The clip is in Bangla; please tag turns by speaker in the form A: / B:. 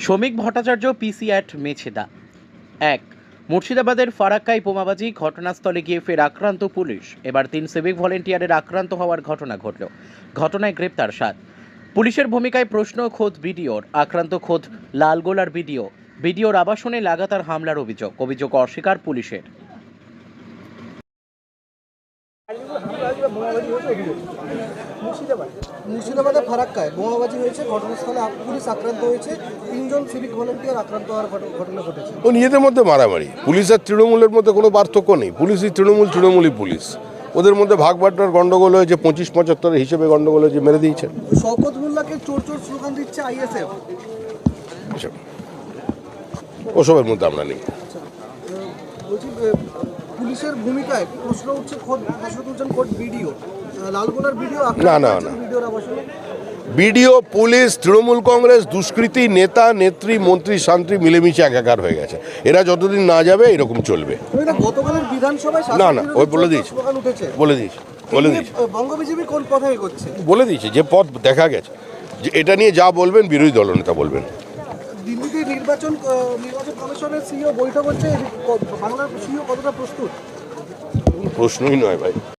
A: শ্রমিক ভট্টাচার্য পিসি অ্যাট মেছেদা। 1. মুর্শিদাবাদের ফারাক্কায় বোমাবাজি, ঘটনাস্থলে গিয়ে ফের আক্রান্ত পুলিশ। এবার 3 সিভিক ভলেন্টিয়ারের আক্রান্ত হওয়ার ঘটনা ঘটল। ঘটনায় গ্রেপ্তার 7। পুলিশের ভূমিকায় প্রশ্ন খোদ বিডিওর, আক্রান্ত খোদ লালগোলার বিডিও। বিডিওর আবাসনে লাগাতার হামলার অভিযোগ অস্বীকার পুলিশের।
B: মুর্শিদাবাদে ফারাক্কায় বোমাবাজি হয়েছে, ঘটনাস্থলে পুলিশ আক্রান্ত হয়েছে, 3জন সিভিক ভলেন্টিয়ার আক্রান্ত হওয়ার ঘটনা ঘটেছে।
C: ও নিজেদের মধ্যে মারামারি। পুলিশ আর তৃণমূলের মধ্যে কোনো পার্থক্য নেই। পুলিশই তৃণমূলই পুলিশ। ওদের মধ্যে ভাগ বাটোয়ার গন্ডগোল হয়েছে, 25-75 হিসেবে গন্ডগোল হয়েছে, মেরে দিয়েছে।
B: শওকত মোল্লাকে চোর চোর স্লোগান দিচ্ছে আইএসএফ।
C: ওসবের মধ্যে আমরা নেই।
B: বলছি পুলিশের ভূমিকায় প্রশ্ন তুলছেন খোদ বিডিও, লালগোলার বিডিও
C: না।
B: বিডিওর আবাসনে।
C: বিডিও, পুলিশ, তৃণমূল কংগ্রেস, দুষ্কৃতী, নেতা নেত্রী, মন্ত্রী শান্ত্রী মিলেমিশে একাকার হয়ে গেছে। এরা যতদিন না যাবে এরকম চলবে।
B: গতকালের বিধানসভায়
C: না, ওই বলে দিয়েছে।
B: বঙ্গ বিজেপি কোন পথে এগোচ্ছে
C: বলে দিয়েছে যে পথ দেখা গেছে, যে এটা নিয়ে যা বলবেন বিরোধী দলনেতা বলবেন।
B: দিল্লিতে নির্বাচন কমিশনের সিইও বৈঠক হচ্ছে, বাংলার সিইও কতটা প্রস্তুত?
C: প্রশ্নই নয় ভাই।